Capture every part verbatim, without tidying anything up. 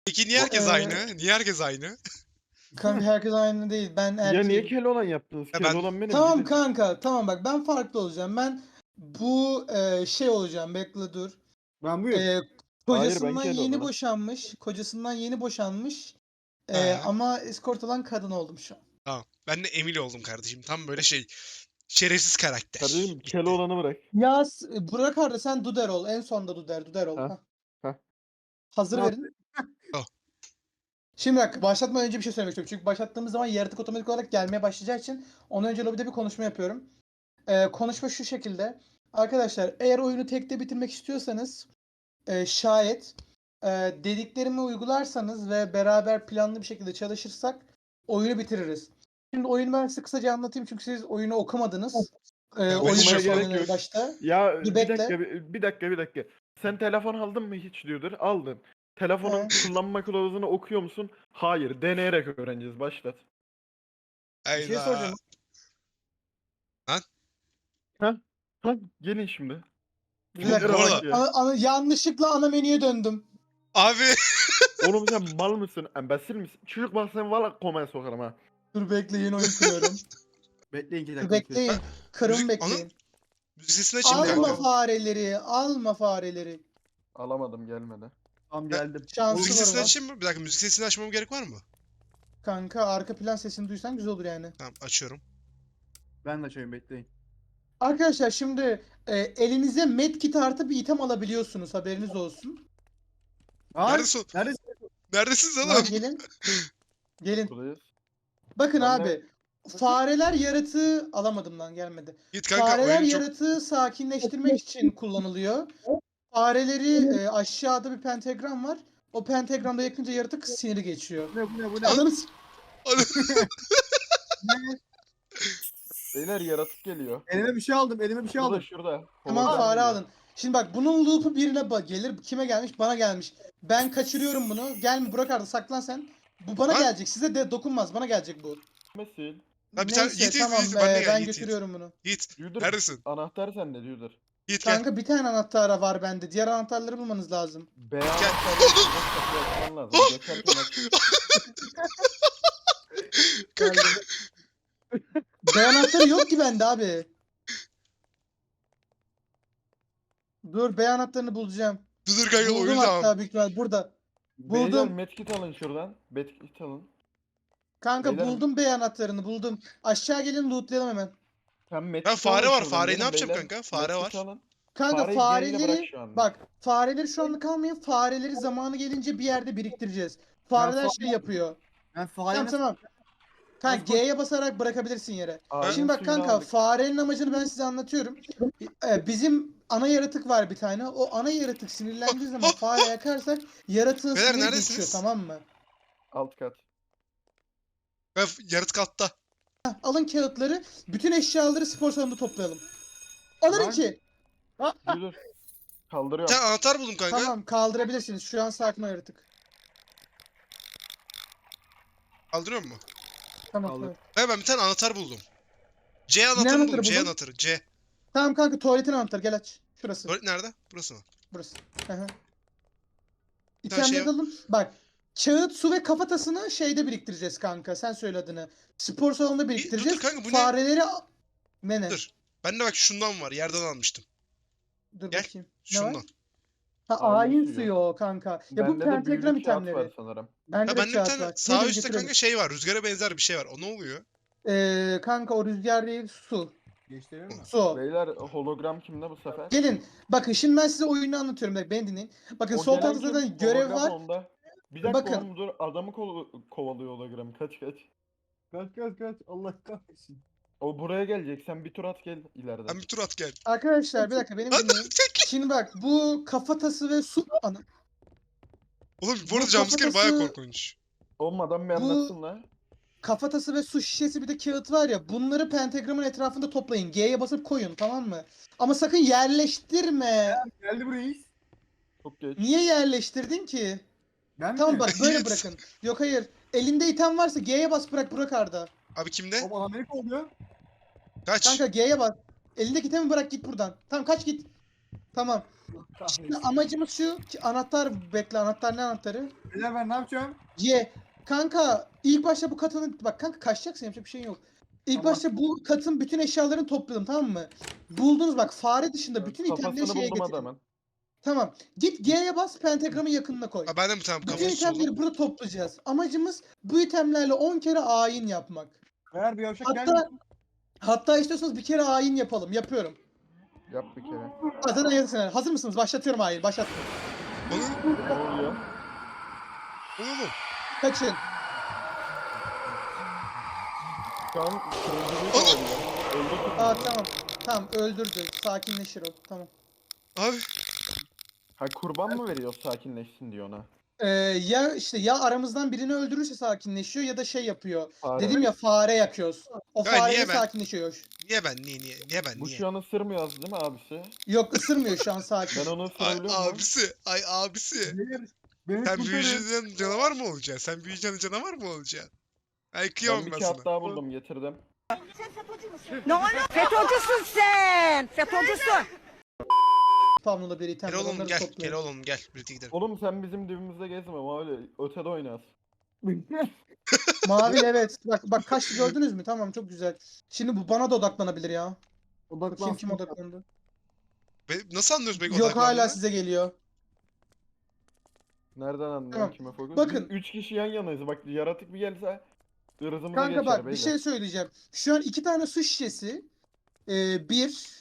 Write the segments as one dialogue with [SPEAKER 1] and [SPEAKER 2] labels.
[SPEAKER 1] Peki niye
[SPEAKER 2] Bu,
[SPEAKER 1] herkes
[SPEAKER 2] eee,
[SPEAKER 1] aynı? Niye herkes aynı?
[SPEAKER 2] Kanka herkes aynı değil. Ben
[SPEAKER 3] Ya niye
[SPEAKER 2] erkeğim.
[SPEAKER 3] Keloğlan yaptınız?
[SPEAKER 1] Ya ben-
[SPEAKER 3] Keloğlan benim
[SPEAKER 2] Tamam
[SPEAKER 3] gidin.
[SPEAKER 2] kanka. Tamam bak ben farklı olacağım. Ben bu eee, şey olacağım. Bekle dur.
[SPEAKER 4] Ben buyum.
[SPEAKER 2] Eee,
[SPEAKER 3] Hayır, ben
[SPEAKER 2] kocasından yeni
[SPEAKER 3] Keloğlan'ım.
[SPEAKER 2] boşanmış. Kocasından yeni boşanmış. Eee,
[SPEAKER 1] He.
[SPEAKER 2] ama eskort olan kadın oldum şu an.
[SPEAKER 1] Tamam. Ben de Emil oldum kardeşim. Tam böyle şey. Şerefsiz karakter.
[SPEAKER 3] Kardeşim
[SPEAKER 1] Bitti.
[SPEAKER 3] Keloğlan'ı bırak.
[SPEAKER 2] Ya s- Burak Arda sen Duder ol. En sonda Duder. Duder ol.
[SPEAKER 3] Ha,
[SPEAKER 2] Hah.
[SPEAKER 3] ha.
[SPEAKER 2] Hazır
[SPEAKER 4] Ne
[SPEAKER 2] verin.
[SPEAKER 1] Oh.
[SPEAKER 2] Şimdi bak başlatmadan önce bir şey söylemek istiyorum. Çünkü başlattığımız zaman yaratık otomatik olarak gelmeye başlayacağı için ondan önce lobide bir konuşma yapıyorum. Ee, konuşma şu şekilde. Arkadaşlar eğer oyunu tekte bitirmek istiyorsanız e, şayet e, dediklerimi uygularsanız ve beraber planlı bir şekilde çalışırsak oyunu bitiririz. Şimdi oyunu ben size kısaca anlatayım çünkü siz oyunu okumadınız. Ee,
[SPEAKER 1] Ya,
[SPEAKER 2] oyun
[SPEAKER 1] okumaya gerek
[SPEAKER 2] başlamadan
[SPEAKER 3] yok.
[SPEAKER 2] başta.
[SPEAKER 3] Ya
[SPEAKER 2] Bir
[SPEAKER 3] bir
[SPEAKER 2] bekle.
[SPEAKER 3] dakika bir, bir dakika bir dakika. Sen telefon aldın mı hiç diyordur. Aldın. Telefonun
[SPEAKER 2] He.
[SPEAKER 3] kullanma kılavuzunu okuyor musun? Hayır. Deneyerek öğreneceğiz. Başlat.
[SPEAKER 4] Bir şey
[SPEAKER 1] Hayda.
[SPEAKER 4] soracağım.
[SPEAKER 3] Ha, gelin şimdi.
[SPEAKER 2] Bir
[SPEAKER 1] Oğlum,
[SPEAKER 2] dakika.
[SPEAKER 1] bu
[SPEAKER 3] Bunlara
[SPEAKER 1] arada-
[SPEAKER 3] bak ya.
[SPEAKER 2] Ana- ana- yanlışlıkla ana menüye döndüm.
[SPEAKER 1] Abi.
[SPEAKER 3] Oğlum sen mal mısın? Embesil misin? Çocuk bak sen valla komaya sokarım ha.
[SPEAKER 2] Dur bekleyin oyun kuruyorum.
[SPEAKER 4] Bekleyin iki
[SPEAKER 2] Dur
[SPEAKER 4] dakika.
[SPEAKER 2] bekleyin. Kırım
[SPEAKER 1] Müzik-
[SPEAKER 2] bekleyin.
[SPEAKER 1] Müzik sesini açayım
[SPEAKER 2] Alma
[SPEAKER 1] kanka.
[SPEAKER 2] fareleri. Alma fareleri.
[SPEAKER 3] Alamadım gelmedi.
[SPEAKER 4] Tamam geldim.
[SPEAKER 2] Şansı
[SPEAKER 1] Müzik
[SPEAKER 2] var
[SPEAKER 1] sesini
[SPEAKER 2] ama.
[SPEAKER 1] açayım mı? Bir dakika müzik sesini açmama gerek var mı?
[SPEAKER 2] Kanka arka plan sesini duysan güzel olur yani.
[SPEAKER 1] Tamam açıyorum.
[SPEAKER 4] Ben de açayım bekleyin.
[SPEAKER 2] Arkadaşlar şimdi e, elinize medkit artı bir item alabiliyorsunuz. Haberiniz olsun.
[SPEAKER 4] Aa,
[SPEAKER 1] Neredesin?
[SPEAKER 4] neredesin?
[SPEAKER 1] Neredesiniz
[SPEAKER 2] Lan
[SPEAKER 1] oğlum?
[SPEAKER 2] gelin. Gelin.
[SPEAKER 3] Buradayız.
[SPEAKER 2] Bakın
[SPEAKER 3] Ben de-
[SPEAKER 2] abi. Fareler yaratığı alamadım lan gelmedi.
[SPEAKER 1] Git kanka
[SPEAKER 2] Fareler
[SPEAKER 1] oyun çok...
[SPEAKER 2] yaratığı sakinleştirmek için kullanılıyor. Fareleri e, aşağıda bir pentagram var. O pentagramda yakınca yaratık siniri geçiyor.
[SPEAKER 4] Bu ne bu ne bu ne?
[SPEAKER 2] Ananı s-
[SPEAKER 3] Beyler yaratık geliyor.
[SPEAKER 4] Elime bir şey aldım. Elime bir şey
[SPEAKER 3] Şurada
[SPEAKER 4] aldım.
[SPEAKER 3] şurada.
[SPEAKER 2] Hemen
[SPEAKER 3] Hologram
[SPEAKER 2] fare
[SPEAKER 3] geliyor.
[SPEAKER 2] alın. Şimdi bak bunun loop'u birine ba- gelir. Kime gelmiş? Bana gelmiş. Ben kaçırıyorum bunu. Gelme Burak Arda saklan sen. Bu bana
[SPEAKER 1] Lan.
[SPEAKER 2] gelecek. Size de dokunmaz. Bana gelecek bu.
[SPEAKER 3] Mesil.
[SPEAKER 1] Ha, bir tane-
[SPEAKER 2] Neyse
[SPEAKER 1] Yiğit, Yiğit,
[SPEAKER 2] tamam
[SPEAKER 1] Yiğit, ben de
[SPEAKER 2] be,
[SPEAKER 1] gel,
[SPEAKER 2] ben
[SPEAKER 1] Yiğit, Yiğit.
[SPEAKER 2] götürüyorum bunu.
[SPEAKER 1] Yiğit.
[SPEAKER 3] Yudur.
[SPEAKER 1] Neredesin?
[SPEAKER 3] Anahtar sende Yudur.
[SPEAKER 1] Yiğit gel.
[SPEAKER 2] Kanka bir tane anahtar var bende. Diğer anahtarları bulmanız lazım.
[SPEAKER 3] B anahtarı kapıyı açman lazım. Geçerken aç.
[SPEAKER 1] Kanka.
[SPEAKER 2] B anahtarı yok ki bende abi. Dur B anahtarını bulacağım.
[SPEAKER 1] Dur dur kanka
[SPEAKER 2] Buldum
[SPEAKER 1] oyun
[SPEAKER 2] hatta
[SPEAKER 1] tamam.
[SPEAKER 2] büyük ihtimal burada.
[SPEAKER 3] Beyler
[SPEAKER 2] Buldum.
[SPEAKER 3] medkit alın şuradan. Medkit alın.
[SPEAKER 2] Kanka
[SPEAKER 3] Beyler-
[SPEAKER 2] buldum B anahtarını buldum. Aşağı gelin lootlayalım hemen.
[SPEAKER 3] Sen medkit
[SPEAKER 1] Ha, fare
[SPEAKER 3] alın
[SPEAKER 1] var,
[SPEAKER 3] şuradan.
[SPEAKER 1] fareyi ne
[SPEAKER 3] Gelin
[SPEAKER 1] yapacağım
[SPEAKER 3] beyler.
[SPEAKER 1] kanka? Fare
[SPEAKER 3] Medkit
[SPEAKER 1] var.
[SPEAKER 3] alın.
[SPEAKER 2] Kanka
[SPEAKER 3] Fareyi yayına bırak
[SPEAKER 2] fareleri
[SPEAKER 3] şu anda.
[SPEAKER 2] bak fareleri şu anlık almayın. Fareleri zamanı gelince bir yerde biriktireceğiz. Fareler
[SPEAKER 4] Ben
[SPEAKER 2] şey
[SPEAKER 4] fare-
[SPEAKER 2] yapıyor.
[SPEAKER 4] Ben
[SPEAKER 2] Tamam
[SPEAKER 4] fare
[SPEAKER 2] tamam. Kanka
[SPEAKER 4] Nasıl-
[SPEAKER 2] G'ye basarak bırakabilirsin yere.
[SPEAKER 3] Ağacın
[SPEAKER 2] Şimdi bak
[SPEAKER 3] suyunu
[SPEAKER 2] kanka
[SPEAKER 3] aldık.
[SPEAKER 2] farenin amacını ben size anlatıyorum. Ee, bizim ana yaratık var bir tane. O ana yaratık sinirlendiği zaman fare yakarsak yaratığın
[SPEAKER 1] Beyler,
[SPEAKER 2] siniri
[SPEAKER 1] neredesiniz?
[SPEAKER 2] geçiyor tamam mı?
[SPEAKER 3] Alt kat.
[SPEAKER 1] Ha, yaratık altta.
[SPEAKER 2] Alın kağıtları, bütün eşyaları spor salonunda toplayalım. Alın
[SPEAKER 4] Lan.
[SPEAKER 2] iki.
[SPEAKER 3] Yudur.
[SPEAKER 1] Bir
[SPEAKER 3] Kaldırıyorum.
[SPEAKER 1] tane anahtar buldum kanka.
[SPEAKER 2] Tamam kaldırabilirsiniz. Şu an sakin o yaratık.
[SPEAKER 1] Kaldırıyor mu?
[SPEAKER 2] Tamam.
[SPEAKER 4] Kaldır.
[SPEAKER 2] Tamam.
[SPEAKER 1] Ha, ben bir tane anahtar buldum. C anahtarını
[SPEAKER 2] anahtarı
[SPEAKER 1] buldum. C
[SPEAKER 2] buldun?
[SPEAKER 1] anahtarı. C.
[SPEAKER 2] Tamam kanka tuvaletin anahtarı gel aç. Şurası.
[SPEAKER 1] Tuvalet nerede? Burası mı?
[SPEAKER 2] Burası. Hı hı.
[SPEAKER 1] tane şey
[SPEAKER 2] İtemleri alın. Bak. Kağıt, su ve kafatasını şeyde biriktireceğiz kanka. Sen söyle adını. Spor salonunda biriktireceğiz.
[SPEAKER 1] dur kanka, bu ne?
[SPEAKER 2] Fareleri... Ne ne?
[SPEAKER 1] Dur. Bende bak şundan var. Yerden almıştım.
[SPEAKER 2] Dur
[SPEAKER 1] Gel.
[SPEAKER 2] bakayım. Ne var?
[SPEAKER 1] Şundan.
[SPEAKER 2] Ha
[SPEAKER 3] Ayin
[SPEAKER 2] ayin
[SPEAKER 3] suyu.
[SPEAKER 2] suyu o kanka. Ya bu
[SPEAKER 3] Bende de büyülü
[SPEAKER 2] pentagram
[SPEAKER 3] kağıt var
[SPEAKER 2] itemleri.
[SPEAKER 3] sanırım.
[SPEAKER 2] Bende
[SPEAKER 1] Ha,
[SPEAKER 2] de
[SPEAKER 1] bende bir
[SPEAKER 2] kağıt
[SPEAKER 1] tane
[SPEAKER 2] var.
[SPEAKER 1] sağ
[SPEAKER 2] Gelin
[SPEAKER 1] üstte
[SPEAKER 2] getirelim.
[SPEAKER 1] kanka şey var. Rüzgara benzer bir şey var. O ne oluyor?
[SPEAKER 2] Ee, kanka o rüzgar değil su.
[SPEAKER 4] Geçtirir mi?
[SPEAKER 2] Su o.
[SPEAKER 3] Beyler hologram kimde bu sefer?
[SPEAKER 2] Gelin. Bakın şimdi ben size oyunu anlatıyorum. Bak beni dinleyin. Bakın
[SPEAKER 3] O
[SPEAKER 2] sol
[SPEAKER 3] gelen
[SPEAKER 2] tarafta
[SPEAKER 3] kim?
[SPEAKER 2] zaten görev
[SPEAKER 3] Hologram
[SPEAKER 2] var.
[SPEAKER 3] onda. Bir dakika
[SPEAKER 2] Bakın.
[SPEAKER 3] oğlum dur adamı kol- kovalıyor hologram. Kaç kaç.
[SPEAKER 4] Kaç kaç kaç. Allah kahretsin.
[SPEAKER 3] O buraya gelecek. Sen bir tur at gel ileriden.
[SPEAKER 1] Sen bir tur at gel.
[SPEAKER 2] Arkadaşlar bir dakika beni
[SPEAKER 1] Lan,
[SPEAKER 2] dinleyin. Şimdi bak bu kafatası ve su... Ana.
[SPEAKER 1] Oğlum bu
[SPEAKER 2] Bu
[SPEAKER 1] arada jumpscare baya
[SPEAKER 2] kafatası-
[SPEAKER 1] korkunç.
[SPEAKER 3] Oğlum adam bir
[SPEAKER 2] Bu-
[SPEAKER 3] anlatsın la.
[SPEAKER 2] Kafatası ve su şişesi bir de kağıt var ya bunları pentagramın etrafında toplayın. G'ye basıp koyun tamam mı? Ama sakın yerleştirme.
[SPEAKER 4] Geldi bu reis.
[SPEAKER 3] Çok geç.
[SPEAKER 2] Niye yerleştirdin ki?
[SPEAKER 4] Ben
[SPEAKER 2] Tamam
[SPEAKER 4] mi?
[SPEAKER 2] bak böyle
[SPEAKER 1] Yiğit.
[SPEAKER 2] bırakın. Yok hayır. Elinde item varsa G'ye bas bırak Burak Arda.
[SPEAKER 1] Abi kimde?
[SPEAKER 4] Baba Amerika oluyor.
[SPEAKER 1] Kaç?
[SPEAKER 2] Kanka G'ye bas. Elindeki itemi bırak git buradan. Tamam kaç git. Tamam. Şimdi amacımız şu ki anahtar bekle anahtar ne anahtarı?
[SPEAKER 4] Beyler ben ne yapacağım?
[SPEAKER 2] Y. Kanka ilk başta bu katının bak kanka kaçacaksın yapacak bir şey yok. İlk
[SPEAKER 4] Tamam.
[SPEAKER 2] başta bu katın bütün eşyalarını topladım tamam mı? Buldunuz bak fare dışında bütün itemleri
[SPEAKER 3] Kafasını
[SPEAKER 2] şeye
[SPEAKER 3] buldum
[SPEAKER 2] getirin.
[SPEAKER 3] adamın.
[SPEAKER 2] Tamam. Git G'ye bas pentagramın yakınına koy.
[SPEAKER 1] Ha ben de mi tamam
[SPEAKER 2] Bütün
[SPEAKER 1] kafası
[SPEAKER 2] itemleri
[SPEAKER 1] solum.
[SPEAKER 2] burada toplayacağız. Amacımız bu itemlerle on kere ayin yapmak.
[SPEAKER 4] Beyler bir yavşak
[SPEAKER 2] Hatta
[SPEAKER 4] gelmiyor.
[SPEAKER 2] hatta istiyorsanız bir kere ayin yapalım. Yapıyorum.
[SPEAKER 3] Yap bir kere.
[SPEAKER 2] Ha, Zaten yazısın. Hazır mısınız? Başlatıyorum ayin. Başlattım.
[SPEAKER 1] Oğlum
[SPEAKER 3] Ne oluyor?
[SPEAKER 1] oğlum.
[SPEAKER 2] Kaçın.
[SPEAKER 3] Şu an kırmızı
[SPEAKER 1] Oğlum!
[SPEAKER 3] oluyor. Öldü kırmızı.
[SPEAKER 2] Aa tamam. Tamam öldürdü. Sakinleşir o. Tamam.
[SPEAKER 1] Abi
[SPEAKER 3] Ha kurban mı veriyor sakinleşsin diyor ona.
[SPEAKER 2] Ee, ya işte ya aramızdan birini öldürürse sakinleşiyor ya da şey yapıyor.
[SPEAKER 3] Fare.
[SPEAKER 2] Dedim ya fare yakıyoruz. O
[SPEAKER 1] Ya niye
[SPEAKER 2] fareyle
[SPEAKER 1] ben-
[SPEAKER 2] sakinleşiyor.
[SPEAKER 1] niye ben niye niye niye ben
[SPEAKER 3] Bu
[SPEAKER 1] niye?
[SPEAKER 3] şu an ısırmıyor değil mi abisi?
[SPEAKER 2] Yok ısırmıyor şu an sakin.
[SPEAKER 3] Ben onu
[SPEAKER 1] Ay
[SPEAKER 3] ısırabiliyor muyum?
[SPEAKER 1] abisi ay abisi.
[SPEAKER 4] Beyler beni
[SPEAKER 1] Sen
[SPEAKER 4] kurtarın.
[SPEAKER 1] büyüyeceksin canavar mı olacaksın? Sen büyüyeceksin canavar mı olacaksın? Ay
[SPEAKER 3] Ben
[SPEAKER 1] kıyamam
[SPEAKER 3] bir
[SPEAKER 1] ben
[SPEAKER 3] kağıt
[SPEAKER 1] sana.
[SPEAKER 3] daha buldum getirdim.
[SPEAKER 5] Ne oluyor? FETÖ'cüsün sen. FETÖ'cüsün.
[SPEAKER 2] Spamlı bir item
[SPEAKER 1] Gel
[SPEAKER 2] var,
[SPEAKER 1] oğlum
[SPEAKER 2] onları
[SPEAKER 1] gel gel
[SPEAKER 2] topluyorum.
[SPEAKER 1] oğlum gel birlikte gidelim.
[SPEAKER 3] Oğlum sen bizim dibimizde gezme ama öyle ötede oynaz.
[SPEAKER 2] Mavi evet. Bak bak kaçtı gördünüz mü? Tamam çok güzel. Şimdi bu bana da odaklanabilir ya. Bakayım kim
[SPEAKER 4] Odaklansın.
[SPEAKER 2] odaklandı.
[SPEAKER 1] Be- Nasıl anlıyoruz peki
[SPEAKER 2] Yok hala
[SPEAKER 1] odaklandığını?
[SPEAKER 2] size geliyor.
[SPEAKER 3] Nereden anlıyorsun
[SPEAKER 2] Tamam.
[SPEAKER 3] kime fokus?
[SPEAKER 2] Bakın.
[SPEAKER 3] Biz üç kişi yan yanayız. Bak yaratık bir gelse ırzımıza
[SPEAKER 2] Kanka
[SPEAKER 3] geçer
[SPEAKER 2] bak bir
[SPEAKER 3] beyler.
[SPEAKER 2] şey söyleyeceğim. Şu an iki tane su şişesi. Ee, bir.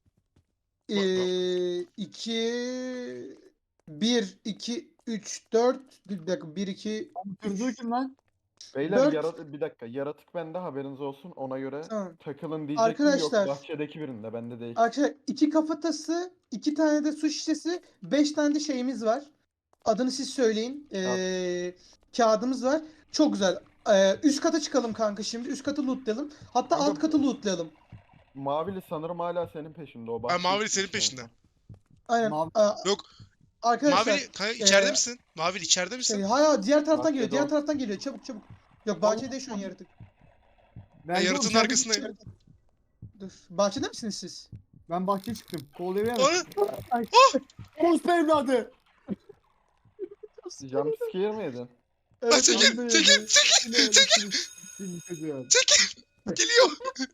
[SPEAKER 2] Ee, iki. Bir, iki, üç, dört. Bir dakika. Bir, iki.
[SPEAKER 4] Kırdığı kim lan?
[SPEAKER 3] Beyler
[SPEAKER 2] Dört-
[SPEAKER 3] yarat bir dakika yaratık bende haberiniz olsun ona göre
[SPEAKER 2] Tamam.
[SPEAKER 3] takılın diyecektim
[SPEAKER 2] Arkadaşlar-
[SPEAKER 3] yok bahçedeki birinde bende değil.
[SPEAKER 2] Arkadaşlar iki kafatası, iki tane de su şişesi, beş tane de şeyimiz var. Adını siz söyleyin. Ee, kağıdımız var. Çok güzel. Ee, üst kata çıkalım kanka şimdi. Üst katı lootlayalım. Hatta
[SPEAKER 3] Kanka-
[SPEAKER 2] alt katı lootlayalım.
[SPEAKER 3] Mavili sanırım hala senin peşinde o
[SPEAKER 1] Ha,
[SPEAKER 3] bahçeye
[SPEAKER 1] Mavili
[SPEAKER 3] gitmiş
[SPEAKER 1] senin
[SPEAKER 3] en
[SPEAKER 1] peşinde.
[SPEAKER 3] son.
[SPEAKER 2] Aynen.
[SPEAKER 4] Mavi-
[SPEAKER 2] Aa,
[SPEAKER 1] Yok.
[SPEAKER 2] arkadaşlar.
[SPEAKER 1] Mavili kanka içeride
[SPEAKER 2] ee,
[SPEAKER 1] misin? Mavili içeride misin?
[SPEAKER 2] Şey, hayır diğer taraftan
[SPEAKER 3] Bahçede
[SPEAKER 2] geliyor. Diğer
[SPEAKER 3] o.
[SPEAKER 2] taraftan geliyor. Çabuk çabuk. Yok bahçede şu an yaratık.
[SPEAKER 4] Ben
[SPEAKER 1] Ben
[SPEAKER 4] yok,
[SPEAKER 1] yaratığın
[SPEAKER 4] içeride
[SPEAKER 1] arkasındayım.
[SPEAKER 4] bir-
[SPEAKER 2] Dur. Bahçede misiniz siz?
[SPEAKER 4] Ben bahçeye çıktım. Kovalayamam.
[SPEAKER 1] Ana!
[SPEAKER 4] Orospu evladı.
[SPEAKER 3] Jumpscare mi yedin?
[SPEAKER 1] Ha, çekil,
[SPEAKER 4] ben de
[SPEAKER 1] çekil,
[SPEAKER 4] yedim.
[SPEAKER 1] çekil,
[SPEAKER 4] Ne
[SPEAKER 1] çekil,
[SPEAKER 4] öyle şimdi çocuğa.
[SPEAKER 1] çekil. Geliyor.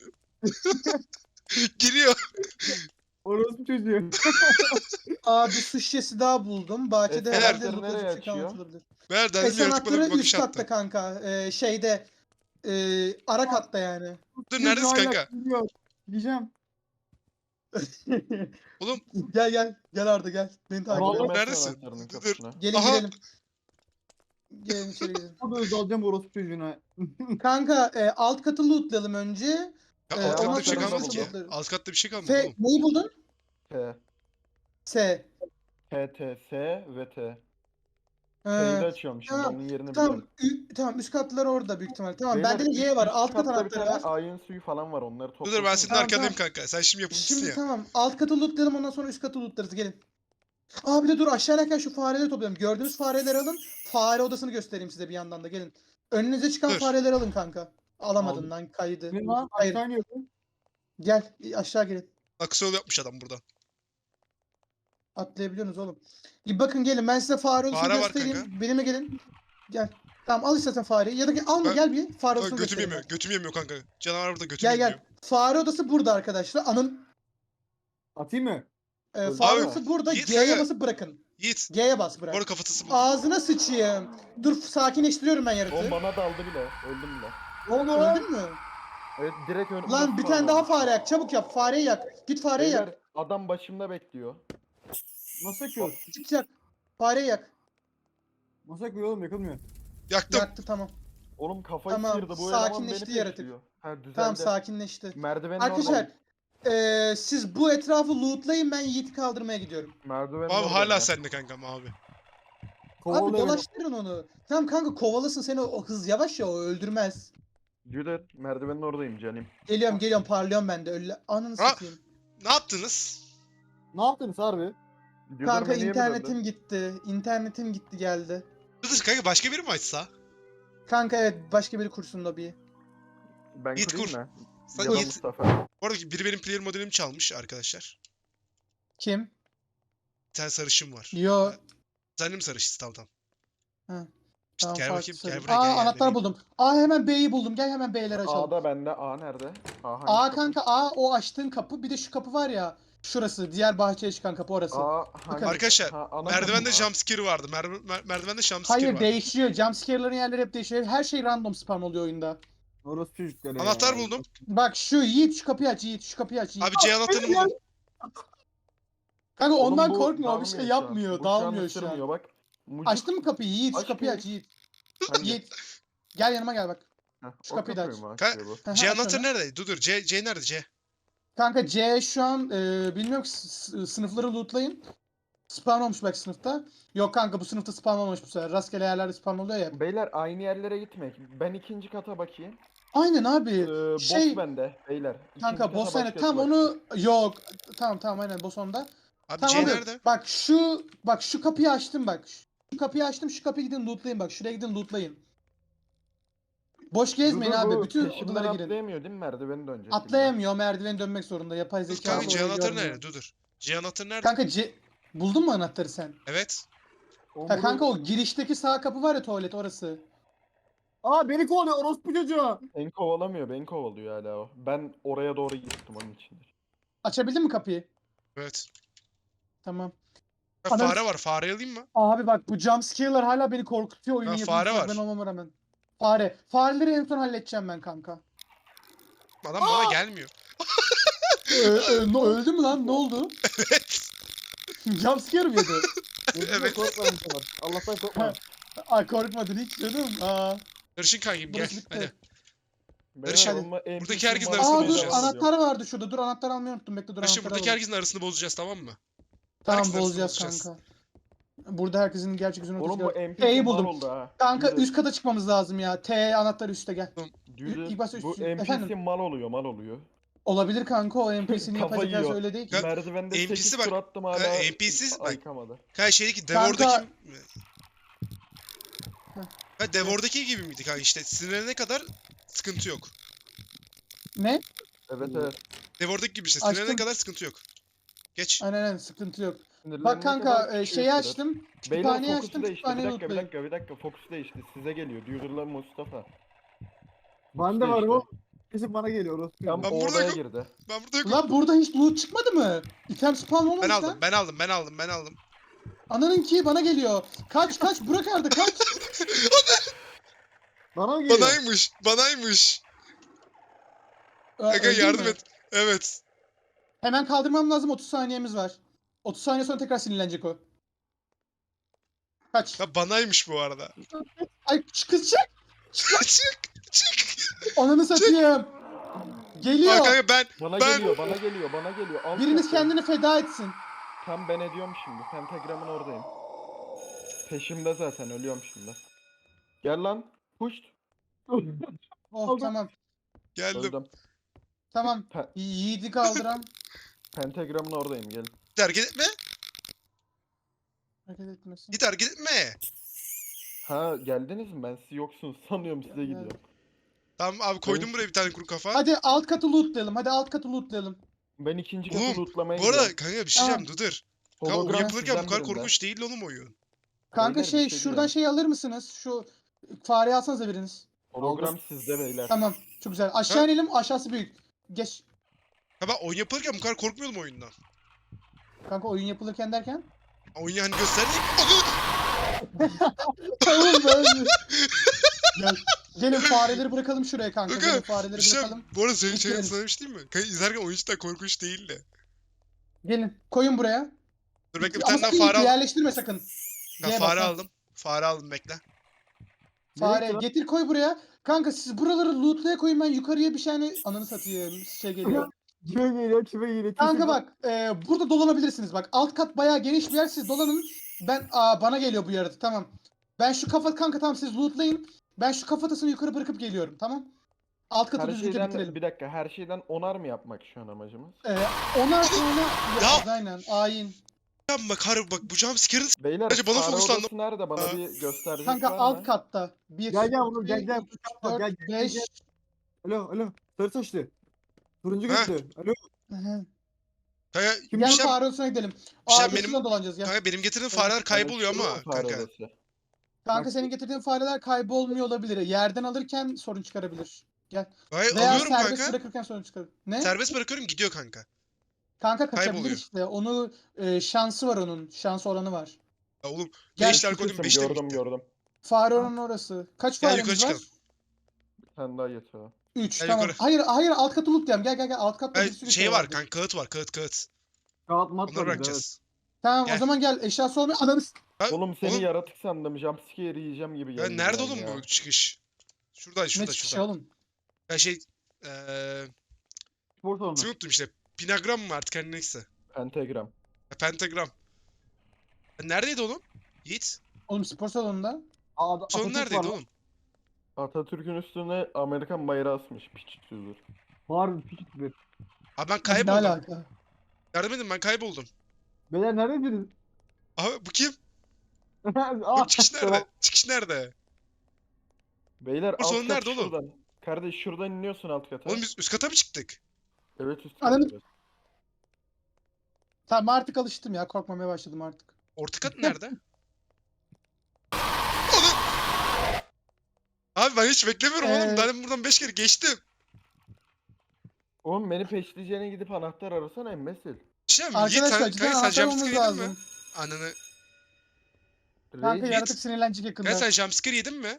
[SPEAKER 1] Geliyor.
[SPEAKER 4] Orospu çocuğu.
[SPEAKER 2] Aa bir su şişesi daha buldum. Bahçede
[SPEAKER 3] Eser
[SPEAKER 2] herhalde
[SPEAKER 3] anahtarı
[SPEAKER 2] lootladık
[SPEAKER 3] nereye
[SPEAKER 2] bir şey
[SPEAKER 3] açıyor?
[SPEAKER 2] anlatılabilir.
[SPEAKER 1] Ver dedim
[SPEAKER 2] Esen
[SPEAKER 1] yaratık bana bir
[SPEAKER 2] anahtarı
[SPEAKER 1] bakış
[SPEAKER 2] üst katta
[SPEAKER 1] attı.
[SPEAKER 2] kanka. Ee, şeyde ee, ara katta yani.
[SPEAKER 1] Dur neredesin
[SPEAKER 4] Hala
[SPEAKER 1] kanka?
[SPEAKER 4] gidiyor. Gideceğim.
[SPEAKER 1] Oğlum
[SPEAKER 2] Gel gel. Gel Arda gel. Beni takip
[SPEAKER 3] Vallahi
[SPEAKER 2] et.
[SPEAKER 3] ben
[SPEAKER 1] neredesin?
[SPEAKER 3] anahtarının
[SPEAKER 1] Dur.
[SPEAKER 3] kapısına.
[SPEAKER 2] Gelin
[SPEAKER 1] Aha.
[SPEAKER 2] girelim. Gelin içeri girelim.
[SPEAKER 4] Burada hızlı alacağım bu orospu çocuğuna.
[SPEAKER 2] Kanka e, alt katı lootlayalım önce.
[SPEAKER 1] ya
[SPEAKER 2] Ee,
[SPEAKER 1] alt
[SPEAKER 2] ondan
[SPEAKER 1] katta bir şey
[SPEAKER 2] sonra
[SPEAKER 1] kalmadı
[SPEAKER 2] üst
[SPEAKER 1] ki.
[SPEAKER 2] katı lootlarız.
[SPEAKER 1] Alt katta bir şey kalmadı
[SPEAKER 2] F
[SPEAKER 1] oğlum.
[SPEAKER 2] neyi buldun?
[SPEAKER 3] T.
[SPEAKER 2] S.
[SPEAKER 3] T, T, S ve T.
[SPEAKER 2] Ee,
[SPEAKER 3] T'yi de açıyorum şimdi
[SPEAKER 2] tamam,
[SPEAKER 3] onun yerini
[SPEAKER 2] tamam.
[SPEAKER 3] biliyorum.
[SPEAKER 2] Ü, tamam üst katlar orada büyük ihtimal. Tamam
[SPEAKER 3] Beyler,
[SPEAKER 2] bende de
[SPEAKER 3] üst-
[SPEAKER 2] Y var.
[SPEAKER 3] üst
[SPEAKER 2] Alt kat
[SPEAKER 3] katta bir
[SPEAKER 2] anahtarı
[SPEAKER 3] tane
[SPEAKER 2] var.
[SPEAKER 3] Ayın suyu falan var onları
[SPEAKER 1] Dur
[SPEAKER 3] toplasana.
[SPEAKER 1] dur ben senin
[SPEAKER 2] Tamam,
[SPEAKER 1] arkandayım
[SPEAKER 2] tamam.
[SPEAKER 1] kanka. Sen şimdi yapımcısın
[SPEAKER 2] Şimdi
[SPEAKER 1] ya.
[SPEAKER 2] tamam. Alt katı lootlayalım ondan sonra üst katı lootlarız. Gelin. Aa bir de dur aşağı inerken şu fareleri toplayalım. Gördüğünüz fareleri alın. Fare odasını göstereyim size bir yandan da. Gelin. Önünüze çıkan
[SPEAKER 1] Dur.
[SPEAKER 2] fareleri alın kanka. Alamadın
[SPEAKER 4] Aldım.
[SPEAKER 2] lan kaydı.
[SPEAKER 4] Ne lan?
[SPEAKER 2] Hayır.
[SPEAKER 4] Aşağı iniyorsun.
[SPEAKER 2] Gel aşağı gelin.
[SPEAKER 1] Aksı yol yapmış adam burada.
[SPEAKER 2] Atlayabiliyorsunuz oğlum. Bir bakın gelin ben size fare odasını
[SPEAKER 1] Fare var
[SPEAKER 2] göstereyim.
[SPEAKER 1] kanka.
[SPEAKER 2] Benimle gelin. Gel. Tamam al istersen fareyi. Ya da gel, alma
[SPEAKER 1] Ben-
[SPEAKER 2] gel bir fare
[SPEAKER 1] Aa,
[SPEAKER 2] odasını
[SPEAKER 1] götüm
[SPEAKER 2] göstereyim.
[SPEAKER 1] yemiyor. Götüm yemiyor kanka. Canavar burada götüm
[SPEAKER 2] Gel
[SPEAKER 1] yemiyor.
[SPEAKER 2] gel. Fare odası burada arkadaşlar. Anın
[SPEAKER 4] Atayım mı?
[SPEAKER 2] e,
[SPEAKER 3] Abi,
[SPEAKER 2] fare odası burada.
[SPEAKER 1] Yiğit
[SPEAKER 2] G'ye
[SPEAKER 1] kanka.
[SPEAKER 2] basıp bırakın.
[SPEAKER 1] Yiğit.
[SPEAKER 2] G'ye bas bırak.
[SPEAKER 1] Bu arada kafatası bu.
[SPEAKER 2] Ağzına sıçayım. Dur sakinleştiriyorum ben
[SPEAKER 3] O
[SPEAKER 2] yaratığı.
[SPEAKER 3] bana daldı bile. Öldüm bile.
[SPEAKER 4] Ne oldu lan?
[SPEAKER 2] Öldün mü?
[SPEAKER 3] Evet direkt önümde.
[SPEAKER 2] Lan bir
[SPEAKER 3] su
[SPEAKER 2] tane
[SPEAKER 3] var
[SPEAKER 2] daha
[SPEAKER 3] orada.
[SPEAKER 2] fare yak. Çabuk yap. Fareyi yak. Git fareyi yak.
[SPEAKER 3] Beyler adam başımda bekliyor.
[SPEAKER 4] Nasıl yakıyor?
[SPEAKER 2] Git yak. Fareyi yak.
[SPEAKER 4] Nasıl yakıyor oğlum? Yakılmıyor.
[SPEAKER 1] Yaktım.
[SPEAKER 2] Yaktı tamam.
[SPEAKER 3] Oğlum kafayı
[SPEAKER 2] Tamam,
[SPEAKER 3] sıyırdı bu eleman beni
[SPEAKER 2] sakinleşti yaratık.
[SPEAKER 3] peşliyor. Ha düzeldi.
[SPEAKER 2] Tamam sakinleşti.
[SPEAKER 3] Merdivenin
[SPEAKER 2] Arkadaşlar
[SPEAKER 3] oradayım.
[SPEAKER 2] eee, siz bu etrafı lootlayın ben Yiğit'i kaldırmaya gidiyorum.
[SPEAKER 3] Merdivenin
[SPEAKER 1] Abi
[SPEAKER 3] oradayım
[SPEAKER 1] hala
[SPEAKER 3] ben.
[SPEAKER 1] sende kankam abi.
[SPEAKER 2] Abi
[SPEAKER 4] Kovalıyor beni.
[SPEAKER 2] dolaştırın onu. Tamam kanka kovalasın seni o hız yavaş ya o öldürmez.
[SPEAKER 3] Judith merdivenin oradayım canım.
[SPEAKER 2] Geliyorum geliyorum parlıyorum ben de öyle. Ananı
[SPEAKER 1] Ha?
[SPEAKER 2] satayım.
[SPEAKER 1] Ne yaptınız?
[SPEAKER 4] Ne yaptınız harbi?
[SPEAKER 3] Judith
[SPEAKER 2] Kanka
[SPEAKER 3] menüye mi
[SPEAKER 2] internetim
[SPEAKER 3] döndü?
[SPEAKER 2] gitti. İnternetim gitti geldi.
[SPEAKER 1] Dur dur kanka başka biri mi açsa?
[SPEAKER 2] Kanka evet başka biri kursun lobiyi.
[SPEAKER 3] Ben
[SPEAKER 1] Yiğit
[SPEAKER 3] kurayım
[SPEAKER 1] kur.
[SPEAKER 3] mı?
[SPEAKER 1] Sen
[SPEAKER 3] Ya da
[SPEAKER 1] Yiğit-
[SPEAKER 3] Mustafa.
[SPEAKER 1] Bu arada biri benim player modelimi çalmış arkadaşlar.
[SPEAKER 2] Kim?
[SPEAKER 1] tane sarışın var.
[SPEAKER 2] Yo.
[SPEAKER 1] Sen de mi sarışınsın? Tamam tamam.
[SPEAKER 2] Ha,
[SPEAKER 1] İşte
[SPEAKER 2] tamam,
[SPEAKER 1] gel
[SPEAKER 2] farklı
[SPEAKER 1] bakayım.
[SPEAKER 2] sarı.
[SPEAKER 1] Gel buraya
[SPEAKER 2] Aa
[SPEAKER 1] gel. gel
[SPEAKER 2] anahtar
[SPEAKER 1] bebeğim.
[SPEAKER 2] buldum. Aa hemen B'yi buldum. Gel hemen B'leri açalım.
[SPEAKER 3] A'da bende. A nerede? A hangi
[SPEAKER 2] Aa
[SPEAKER 3] kapı?
[SPEAKER 2] kanka A o açtığın kapı. Bir de şu kapı var ya. Şurası. Diğer bahçeye çıkan kapı orası.
[SPEAKER 3] A hangi?
[SPEAKER 1] Arkadaşlar,
[SPEAKER 3] Ha, ana
[SPEAKER 1] Merdivende
[SPEAKER 3] kapı.
[SPEAKER 1] jumpscare vardı. Mer mer merdivende jumpscare
[SPEAKER 2] Hayır
[SPEAKER 1] vardı.
[SPEAKER 2] değişiyor. Jumpscare'ların yerleri hep değişiyor. Her şey random spawn oluyor oyunda.
[SPEAKER 4] Orası çocukları
[SPEAKER 1] Anahtar
[SPEAKER 4] ya.
[SPEAKER 1] buldum.
[SPEAKER 2] Bak şu Yiğit şu kapıyı aç Yiğit şu kapıyı aç Yiğit.
[SPEAKER 1] Abi C anahtarını buldum.
[SPEAKER 2] Kanka
[SPEAKER 3] Oğlum
[SPEAKER 2] ondan
[SPEAKER 3] bu
[SPEAKER 2] korkma o bir
[SPEAKER 3] dalmıyor
[SPEAKER 2] şey
[SPEAKER 3] şu an.
[SPEAKER 2] yapmıyor.
[SPEAKER 3] Bu
[SPEAKER 2] Dağılmıyor
[SPEAKER 3] şu
[SPEAKER 2] şu
[SPEAKER 3] an
[SPEAKER 2] an.
[SPEAKER 3] ısırmıyor bak. Mucuk.
[SPEAKER 2] Açtın mı kapıyı Yiğit şu
[SPEAKER 3] Aç
[SPEAKER 2] kapıyı
[SPEAKER 3] bir.
[SPEAKER 2] aç Yiğit.
[SPEAKER 3] Hangi?
[SPEAKER 2] Yiğit. Gel yanıma gel bak.
[SPEAKER 3] Heh,
[SPEAKER 2] şu
[SPEAKER 3] o
[SPEAKER 2] kapıyı da
[SPEAKER 3] kapıyı
[SPEAKER 2] aç.
[SPEAKER 3] mı
[SPEAKER 1] Ka-
[SPEAKER 3] açıyor bu?
[SPEAKER 2] Hı hı,
[SPEAKER 1] C
[SPEAKER 2] aç
[SPEAKER 1] anahtarı
[SPEAKER 2] onu.
[SPEAKER 1] nerede? Dur dur. C, C nerede C?
[SPEAKER 2] Kanka C şu an e, bilmiyorum ki s- s- sınıfları lootlayın. Spawn olmuş belki sınıfta. Yok kanka bu sınıfta spawn olmamış bu sefer. Rastgele yerlerde spawn oluyor ya.
[SPEAKER 3] Beyler aynı yerlere gitmek. Ben ikinci kata bakayım.
[SPEAKER 2] Aynen abi.
[SPEAKER 3] Ee,
[SPEAKER 2] şey
[SPEAKER 3] boss bende beyler. İkinci
[SPEAKER 2] kanka
[SPEAKER 3] kata
[SPEAKER 2] boss aynen.
[SPEAKER 3] başkası
[SPEAKER 2] Tam
[SPEAKER 3] baksın.
[SPEAKER 2] onu yok. Tamam tamam aynen boss onda.
[SPEAKER 1] Abi
[SPEAKER 2] Tamam
[SPEAKER 1] C
[SPEAKER 2] abi.
[SPEAKER 1] nerede?
[SPEAKER 2] Bak şu bak şu kapıyı açtım bak. Şu kapıyı açtım şu kapıyı gidin lootlayın bak. Şuraya gidin lootlayın. Boş gezmeyin
[SPEAKER 3] Dur, dur,
[SPEAKER 2] abi.
[SPEAKER 3] bu
[SPEAKER 2] Bütün
[SPEAKER 3] peşimden
[SPEAKER 2] odalara girin.
[SPEAKER 3] atlayamıyor değil mi merdiveni dönecek?
[SPEAKER 2] Atlayamıyor. Merdiveni dönmek zorunda. Yapay
[SPEAKER 1] Dur
[SPEAKER 2] zeka
[SPEAKER 1] kanka C
[SPEAKER 2] orayı
[SPEAKER 1] anahtarı
[SPEAKER 2] görmüyor.
[SPEAKER 1] nerede? Dur dur. C anahtarı nerede?
[SPEAKER 2] Kanka C... Buldun mu anahtarı sen?
[SPEAKER 1] Evet.
[SPEAKER 4] Oğlum
[SPEAKER 2] Ha
[SPEAKER 4] bunu-
[SPEAKER 2] kanka o girişteki sağ kapı var ya tuvalet orası.
[SPEAKER 4] Aa beni kovalıyor orospu çocuğu.
[SPEAKER 3] Beni kovalamıyor, beni kovalıyor hala o. Ben oraya doğru gittim onun içindir.
[SPEAKER 2] Açabildin mi kapıyı?
[SPEAKER 1] Evet.
[SPEAKER 2] Tamam.
[SPEAKER 1] Ha,
[SPEAKER 2] Ananı
[SPEAKER 1] fare
[SPEAKER 2] s-
[SPEAKER 1] var. Fare alayım mı?
[SPEAKER 2] Abi bak bu jumpscare'lar hala beni korkutuyor oyunun
[SPEAKER 1] Ha,
[SPEAKER 2] yapımcısı.
[SPEAKER 1] fare
[SPEAKER 2] bak,
[SPEAKER 1] var.
[SPEAKER 2] Ben olmama rağmen. Fare. Fareleri en son halledeceğim ben kanka.
[SPEAKER 1] Adam bana gelmiyor.
[SPEAKER 2] Ö- ö- ne- öldü mü lan? Ne oldu?
[SPEAKER 1] Evet.
[SPEAKER 2] Jumpscare mi yedi?
[SPEAKER 4] Evet. Korkmadım bu sefer. Allah'tan korkma.
[SPEAKER 2] Ay korkmadın hiç canım. Aa.
[SPEAKER 1] Karışın kankim gel.
[SPEAKER 2] Burası bitti.
[SPEAKER 1] Hadi.
[SPEAKER 3] Beyler,
[SPEAKER 1] Hadi.
[SPEAKER 3] olma- N P C
[SPEAKER 1] Buradaki herkesin
[SPEAKER 3] var,
[SPEAKER 1] arasında
[SPEAKER 2] Aa dur
[SPEAKER 1] bozacağız.
[SPEAKER 2] anahtar vardı şurada. Dur anahtar almayı unuttum. Bekle dur
[SPEAKER 1] Karışın
[SPEAKER 2] anahtarı
[SPEAKER 1] buradaki
[SPEAKER 2] alalım.
[SPEAKER 1] herkesin arasını bozacağız tamam mı?
[SPEAKER 2] Tamam
[SPEAKER 1] herkesin arasını
[SPEAKER 2] bozacağız
[SPEAKER 1] bozacağız.
[SPEAKER 2] kanka. Burada herkesin gerçek yüzünü
[SPEAKER 3] Oğlum bu
[SPEAKER 2] unutacağız.
[SPEAKER 3] N P C
[SPEAKER 2] T'yi
[SPEAKER 3] mal
[SPEAKER 2] buldum.
[SPEAKER 3] oldu ha.
[SPEAKER 2] Kanka
[SPEAKER 3] Yürü.
[SPEAKER 2] üst kata çıkmamız lazım ya. T anahtarı üstte gel.
[SPEAKER 3] Yürü.
[SPEAKER 2] ilk başta
[SPEAKER 3] Bu
[SPEAKER 2] üst-
[SPEAKER 3] N P C
[SPEAKER 2] efendim?
[SPEAKER 3] mal oluyor, mal oluyor.
[SPEAKER 2] Olabilir kanka o N P C'nin yapay
[SPEAKER 3] Kafa
[SPEAKER 2] zekası
[SPEAKER 3] yiyor.
[SPEAKER 2] öyle değil ki.
[SPEAKER 1] Ya,
[SPEAKER 3] Merdivende
[SPEAKER 1] N P C
[SPEAKER 3] sekiz
[SPEAKER 1] bak-
[SPEAKER 3] tur attım hala
[SPEAKER 1] Ha, N P C bak.
[SPEAKER 3] ayıkamadı.
[SPEAKER 1] Kanka şeydeki
[SPEAKER 2] Kanka-
[SPEAKER 1] Devor'daki... Ha Devor'daki gibi miydi kanka işte sinirlenene kadar sıkıntı yok.
[SPEAKER 2] Ne?
[SPEAKER 3] Evet evet.
[SPEAKER 1] Devor'daki gibi işte
[SPEAKER 2] Açtım.
[SPEAKER 1] sinirlenene kadar sıkıntı yok. Geç.
[SPEAKER 2] Aynen aynen sıkıntı yok.
[SPEAKER 3] Sinirlenene
[SPEAKER 2] Bak kanka
[SPEAKER 3] kadar
[SPEAKER 2] e,
[SPEAKER 3] küçüğü
[SPEAKER 2] şeyi
[SPEAKER 3] sürer.
[SPEAKER 2] açtım.
[SPEAKER 3] Beyler
[SPEAKER 2] Kütüphaneyi
[SPEAKER 3] fokusu
[SPEAKER 2] açtım.
[SPEAKER 3] değişti. Bir
[SPEAKER 2] Kütüphaneyi
[SPEAKER 3] dakika bir
[SPEAKER 2] lootlayın.
[SPEAKER 3] dakika bir dakika fokusu değişti. Size geliyor. Diyor lan Mustafa.
[SPEAKER 4] Ben de
[SPEAKER 3] İşte,
[SPEAKER 4] varım
[SPEAKER 3] işte.
[SPEAKER 4] oğlum. Kesin bana geliyor orospu
[SPEAKER 3] Tam
[SPEAKER 4] çocuğu.
[SPEAKER 1] Ben burada
[SPEAKER 3] odaya
[SPEAKER 1] yok.
[SPEAKER 3] girdi.
[SPEAKER 1] Ben burada yokum.
[SPEAKER 2] Ulan burada hiç loot çıkmadı mı? İtem spawn olmamış
[SPEAKER 1] Ben
[SPEAKER 2] lan.
[SPEAKER 1] aldım ben aldım ben aldım ben aldım.
[SPEAKER 2] Ananın ki bana geliyor. Kaç kaç Burak Arda kaç.
[SPEAKER 4] Bana mı geliyor?
[SPEAKER 1] Banaymış banaymış.
[SPEAKER 2] Aa,
[SPEAKER 1] Kanka
[SPEAKER 2] öldün
[SPEAKER 1] yardım
[SPEAKER 2] mü?
[SPEAKER 1] et. Evet.
[SPEAKER 2] Hemen kaldırmam lazım otuz saniyemiz var. otuz saniye sonra tekrar sinirlenecek o. Kaç.
[SPEAKER 1] Ya banaymış bu arada.
[SPEAKER 2] Ay şu kız çık.
[SPEAKER 1] çık çık.
[SPEAKER 2] Ananı satayım. Geliyor.
[SPEAKER 1] Aa, kanka ben
[SPEAKER 3] Bana
[SPEAKER 1] Ben-
[SPEAKER 3] geliyor, bana geliyor, bana geliyor. Alt
[SPEAKER 2] Biriniz
[SPEAKER 3] katta.
[SPEAKER 2] kendini feda etsin.
[SPEAKER 3] Tam ben ediyorum şimdi. Pentagramın oradayım. Peşimde zaten ölüyorum şimdi. Gel lan. Puşt.
[SPEAKER 2] Oh
[SPEAKER 4] Aldım.
[SPEAKER 2] tamam.
[SPEAKER 1] geldim.
[SPEAKER 3] Öldüm.
[SPEAKER 2] Tamam.
[SPEAKER 3] Pe-
[SPEAKER 2] Yiğidi kaldıran.
[SPEAKER 3] Pentagramın oradayım gel.
[SPEAKER 1] Git hareket etme.
[SPEAKER 2] Hareket etmesin.
[SPEAKER 1] Git hareket etme.
[SPEAKER 3] Ha geldiniz mi? Ben siz yoksunuz sanıyorum size
[SPEAKER 2] Gel-
[SPEAKER 3] gidiyorum.
[SPEAKER 1] Tamam abi koydum
[SPEAKER 3] Benim-
[SPEAKER 1] buraya bir tane kuru kafa.
[SPEAKER 2] Hadi alt katı lootlayalım. Hadi alt katı lootlayalım.
[SPEAKER 3] Ben ikinci katı
[SPEAKER 1] Oğlum,
[SPEAKER 3] lootlamaya
[SPEAKER 1] Bu arada
[SPEAKER 3] gidiyorum.
[SPEAKER 1] kanka bir şey diyeceğim dur dur. Kanka oyun
[SPEAKER 3] Hologram
[SPEAKER 1] yapılırken bu
[SPEAKER 3] sizden
[SPEAKER 1] kadar
[SPEAKER 3] birinde.
[SPEAKER 1] korkunç değil oğlum oyun.
[SPEAKER 2] Kanka
[SPEAKER 3] Beyler, bir
[SPEAKER 2] şey
[SPEAKER 3] şey
[SPEAKER 2] şuradan
[SPEAKER 3] diyeceğim.
[SPEAKER 2] şey alır mısınız? Şu fareyi alsanıza biriniz.
[SPEAKER 3] Hologram sizde beyler.
[SPEAKER 2] Tamam. Çok güzel. Aşağı
[SPEAKER 1] Ha?
[SPEAKER 2] inelim. Aşağısı büyük. Geç.
[SPEAKER 1] Ha ben oyun yapılırken bu kadar korkmuyordum oyundan.
[SPEAKER 2] Kanka oyun yapılırken derken.
[SPEAKER 1] Oyunu hani gösterdik. Anı!
[SPEAKER 2] Tamam ben. Gel. Gelin fareleri bırakalım şuraya kanka.
[SPEAKER 1] Kanka,
[SPEAKER 2] Gelin fareleri
[SPEAKER 1] Bir şey
[SPEAKER 2] bırakalım.
[SPEAKER 1] bu arada söyle şey
[SPEAKER 2] Bitirelim.
[SPEAKER 1] sana bir şey diyeyim mi? Kanka izlerken oyun cidden korkunç değil de.
[SPEAKER 2] Gelin. Koyun buraya.
[SPEAKER 1] Dur bekle bir
[SPEAKER 2] Ama
[SPEAKER 1] tane daha
[SPEAKER 2] sakın
[SPEAKER 1] fare al.
[SPEAKER 2] yerleştirme sakın.
[SPEAKER 1] Ha,
[SPEAKER 2] Diye
[SPEAKER 1] fare
[SPEAKER 2] bak, ha.
[SPEAKER 1] aldım. Fare aldım bekle.
[SPEAKER 2] Fare
[SPEAKER 4] Nereye
[SPEAKER 2] getir koy buraya. Kanka siz buraları lootlaya koyun ben yukarıya bir şey ananı satayım şey geliyor.
[SPEAKER 4] Kime geliyor kime geliyor?
[SPEAKER 2] Kanka
[SPEAKER 4] Kesin
[SPEAKER 2] bak e, burada dolanabilirsiniz bak. Alt kat bayağı geniş bir yer siz dolanın. Ben aa, bana geliyor bu yaratık tamam. Ben şu kafa kanka tamam siz lootlayın. Ben şu kafatasını yukarı bırakıp geliyorum tamam. Alt katı
[SPEAKER 3] Her
[SPEAKER 2] düzgünce
[SPEAKER 3] şeyden
[SPEAKER 2] bitirelim.
[SPEAKER 3] bir dakika her şeyden onar mı yapmak şu an amacımız?
[SPEAKER 2] Ee, onlar sonra yapacağız aynen ayin.
[SPEAKER 1] Ya bak har bak bu jumpscare'ın s-
[SPEAKER 3] Beyler
[SPEAKER 1] Sadece bana
[SPEAKER 3] fare
[SPEAKER 1] fokuslandım.
[SPEAKER 3] odası nerede? Bana
[SPEAKER 1] Ha.
[SPEAKER 3] bir gösterecek
[SPEAKER 2] Kanka
[SPEAKER 3] var
[SPEAKER 2] alt
[SPEAKER 3] mı?
[SPEAKER 2] katta. bir,
[SPEAKER 4] Gel gel oğlum, gel,
[SPEAKER 2] iki,
[SPEAKER 4] gel.
[SPEAKER 2] üç, dört,
[SPEAKER 4] Gel, gel,
[SPEAKER 2] beş.
[SPEAKER 4] gel. Alo alo. Sarı saçlı. Turuncu
[SPEAKER 1] Ha.
[SPEAKER 4] gözlü. Alo.
[SPEAKER 2] Hı hı.
[SPEAKER 1] Kanka,
[SPEAKER 4] Kim
[SPEAKER 2] Gel
[SPEAKER 1] Şem,
[SPEAKER 2] fare odasına gidelim.
[SPEAKER 1] Şem
[SPEAKER 2] Ağacın
[SPEAKER 1] benim-
[SPEAKER 2] üstünden dolanacağız gel.
[SPEAKER 1] kanka benim getirdiğim fareler kayboluyor
[SPEAKER 3] Şurada
[SPEAKER 1] ama
[SPEAKER 3] mı fare
[SPEAKER 1] kanka.
[SPEAKER 3] odası?
[SPEAKER 2] Kanka
[SPEAKER 4] Bak-
[SPEAKER 2] senin getirdiğin fareler kaybolmuyor olabilir. Yerden alırken sorun çıkarabilir. Gel.
[SPEAKER 1] Hayır
[SPEAKER 2] Veya
[SPEAKER 1] alıyorum
[SPEAKER 2] serbest
[SPEAKER 1] kanka.
[SPEAKER 2] bırakırken sorun çıkarabilir. Ne?
[SPEAKER 1] Serbest bırakıyorum gidiyor kanka.
[SPEAKER 2] Kanka kaçabilir
[SPEAKER 1] kayboluyor.
[SPEAKER 2] işte. Onu e, şansı var onun. Şans oranı var.
[SPEAKER 1] Ya oğlum
[SPEAKER 2] Gel.
[SPEAKER 1] beş
[SPEAKER 3] Şu
[SPEAKER 1] tane koydum
[SPEAKER 3] kısım
[SPEAKER 1] beş de mi
[SPEAKER 3] gördüm
[SPEAKER 1] gitti?
[SPEAKER 3] gördüm.
[SPEAKER 2] Fare oranı orası. Kaç
[SPEAKER 1] Gel
[SPEAKER 2] faremiz
[SPEAKER 1] yukarı
[SPEAKER 2] var?
[SPEAKER 1] çıkalım.
[SPEAKER 3] Bir tane daha getir abi.
[SPEAKER 2] üç
[SPEAKER 1] Gel
[SPEAKER 2] tamam.
[SPEAKER 1] yukarı.
[SPEAKER 2] Hayır hayır alt katı loot diyorum. Gel gel gel alt katta bir
[SPEAKER 1] Hayır,
[SPEAKER 2] sürü
[SPEAKER 1] şey
[SPEAKER 2] şey
[SPEAKER 1] var
[SPEAKER 2] vardı.
[SPEAKER 1] kanka kağıt var kağıt kağıt.
[SPEAKER 4] Kağıt mat
[SPEAKER 1] Onları
[SPEAKER 4] var bir de, evet.
[SPEAKER 1] bırakacağız.
[SPEAKER 2] Tamam
[SPEAKER 1] Gel.
[SPEAKER 2] o zaman gel eşyası olmayan ananı s-
[SPEAKER 1] Ha,
[SPEAKER 3] Oğlum seni
[SPEAKER 1] oğlum,
[SPEAKER 3] yaratık sandım. Jumpscare yiyeceğim gibi
[SPEAKER 1] ya
[SPEAKER 3] geldi.
[SPEAKER 1] nerede
[SPEAKER 3] bir an
[SPEAKER 1] oğlum
[SPEAKER 3] ya.
[SPEAKER 1] bu çıkış? Şurada
[SPEAKER 2] ne
[SPEAKER 1] şurada
[SPEAKER 2] çıkışı
[SPEAKER 1] şurada.
[SPEAKER 2] oğlum?
[SPEAKER 1] Ya şey eee
[SPEAKER 4] Spor salonu.
[SPEAKER 1] ismini unuttum işte. Pinagram mı artık her neyse.
[SPEAKER 3] Pentagram.
[SPEAKER 1] Ya, pentagram. Ya neredeydi oğlum? Yiğit.
[SPEAKER 2] Oğlum spor salonunda.
[SPEAKER 4] Aa,
[SPEAKER 1] Son
[SPEAKER 4] Atatürk
[SPEAKER 1] neredeydi
[SPEAKER 4] var lan.
[SPEAKER 1] oğlum?
[SPEAKER 3] Atatürk'ün üstüne Amerikan bayrağı asmış. Piç düzdür.
[SPEAKER 4] Harbi küçük bir.
[SPEAKER 1] Abi ben
[SPEAKER 2] Ne
[SPEAKER 1] kayboldum.
[SPEAKER 2] alaka?
[SPEAKER 1] Yardım edin ben kayboldum.
[SPEAKER 4] Beyler neredesiniz?
[SPEAKER 1] Abi bu kim?
[SPEAKER 4] Aa,
[SPEAKER 1] Bu çıkış nerede? Çıkış nerede?
[SPEAKER 3] Beyler
[SPEAKER 1] Bu
[SPEAKER 3] alt
[SPEAKER 1] son
[SPEAKER 3] kat
[SPEAKER 1] nerede oğlum?
[SPEAKER 3] şuradan. Kardeş şuradan iniyorsun alt kata.
[SPEAKER 1] Oğlum biz üst kata mı çıktık?
[SPEAKER 3] Evet üst
[SPEAKER 2] Ananı-
[SPEAKER 3] kata.
[SPEAKER 2] Tamam artık alıştım ya. Korkmamaya başladım artık.
[SPEAKER 1] Orta kat nerede? Onu... Abi ben hiç beklemiyorum oğlum.
[SPEAKER 2] Ee,
[SPEAKER 1] Ben buradan beş kere geçtim.
[SPEAKER 3] Oğlum beni peşleyeceğine gidip anahtar arasana emmesil.
[SPEAKER 1] Şey mi? Yiğit
[SPEAKER 2] Arkadaşlar
[SPEAKER 1] sen,
[SPEAKER 2] cidden
[SPEAKER 1] kanka sen
[SPEAKER 2] anahtar
[SPEAKER 1] jumpscare
[SPEAKER 2] olmamız
[SPEAKER 1] yedin mi?
[SPEAKER 2] lazım.
[SPEAKER 1] Ananı.
[SPEAKER 2] Kanka
[SPEAKER 3] Reis
[SPEAKER 2] yaratık sinirlenecek yakında.
[SPEAKER 1] Kanka sen jumpscare yedin mi?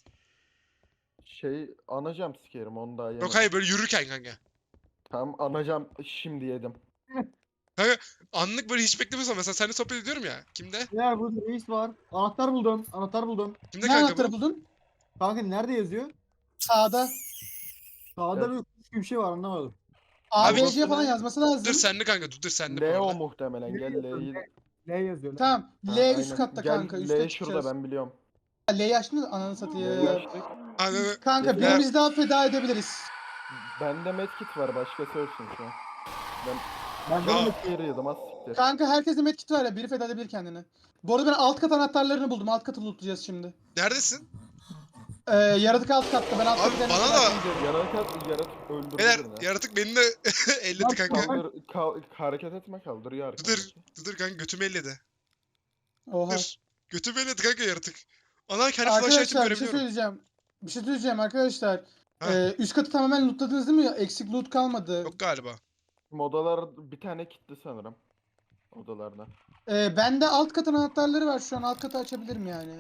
[SPEAKER 3] şey ana jumpscare'im onu daha yemedim.
[SPEAKER 1] Yok hayır böyle yürürken kanka.
[SPEAKER 3] Tam ana jump şimdi yedim.
[SPEAKER 1] Anlık böyle hiç beklemiyorsam mesela seninle sohbet ediyorum ya. Kimde?
[SPEAKER 4] ya burada reis var. Anahtar buldum. Anahtar buldum.
[SPEAKER 1] Kimde
[SPEAKER 2] Ne
[SPEAKER 1] kanka
[SPEAKER 2] anahtarı
[SPEAKER 1] bu?
[SPEAKER 2] buldun?
[SPEAKER 4] Kanka nerede yazıyor?
[SPEAKER 2] Sağda.
[SPEAKER 4] Sağda
[SPEAKER 3] Evet.
[SPEAKER 4] bir kuş gibi bir şey var anlamadım.
[SPEAKER 1] Abi-
[SPEAKER 2] A B C falan yazması lazım.
[SPEAKER 1] Dur senli kanka dur dur senli bu
[SPEAKER 3] Leo
[SPEAKER 1] arada.
[SPEAKER 3] muhtemelen
[SPEAKER 4] Ne
[SPEAKER 3] gel
[SPEAKER 4] yazıyor?
[SPEAKER 3] L'yi.
[SPEAKER 4] L yazıyor.
[SPEAKER 2] Tamam.
[SPEAKER 3] Ha,
[SPEAKER 2] L üst
[SPEAKER 3] aynen.
[SPEAKER 2] katta
[SPEAKER 3] Gel,
[SPEAKER 2] kanka.
[SPEAKER 3] L
[SPEAKER 2] Üste
[SPEAKER 3] şurada
[SPEAKER 2] çıkacağız.
[SPEAKER 3] ben biliyorum.
[SPEAKER 2] L'yi açtın mı? Ananı
[SPEAKER 3] L'yi
[SPEAKER 2] satayım.
[SPEAKER 3] açtık.
[SPEAKER 1] Ananı.
[SPEAKER 2] Kanka
[SPEAKER 3] Ya-
[SPEAKER 2] birimiz daha feda edebiliriz.
[SPEAKER 3] Bende medkit var başkası ölsün şu an. Ben
[SPEAKER 4] Ben de
[SPEAKER 1] Ya.
[SPEAKER 4] onu
[SPEAKER 3] medkit yedim az siktir.
[SPEAKER 2] Kanka herkese medkit var ya. Biri feda edebilir kendini. Bu arada ben alt kat anahtarlarını buldum. Alt katı lootlayacağız şimdi.
[SPEAKER 1] Neredesin?
[SPEAKER 2] Ee, yaratık alt katta. Ben alt
[SPEAKER 1] Abi
[SPEAKER 2] katı kendimi
[SPEAKER 1] bana
[SPEAKER 2] feda
[SPEAKER 1] da-
[SPEAKER 2] edeceğim.
[SPEAKER 3] Yaratık yaratık öldürdü
[SPEAKER 1] Beyler
[SPEAKER 3] birini.
[SPEAKER 1] yaratık beni de elledi kanka.
[SPEAKER 3] Kaldır, kal, hareket etme kaldırıyor
[SPEAKER 1] Dur
[SPEAKER 3] arkadaşı.
[SPEAKER 1] dur dur kanka götümü elledi.
[SPEAKER 2] Oha.
[SPEAKER 1] Dur. Götümü elledi kanka yaratık. Ana kendi flashlight'ımı
[SPEAKER 2] Arkadaşlar bir şey
[SPEAKER 1] görebiliyorum.
[SPEAKER 2] söyleyeceğim. Bir şey söyleyeceğim arkadaşlar.
[SPEAKER 1] Ha.
[SPEAKER 2] Ee, üst katı tamamen lootladınız değil mi? Eksik loot kalmadı.
[SPEAKER 1] Yok galiba.
[SPEAKER 3] Odalar bir tane kilitli sanırım. Odalarda.
[SPEAKER 2] Ee, bende alt kat anahtarları var şu an. Alt katı açabilirim yani.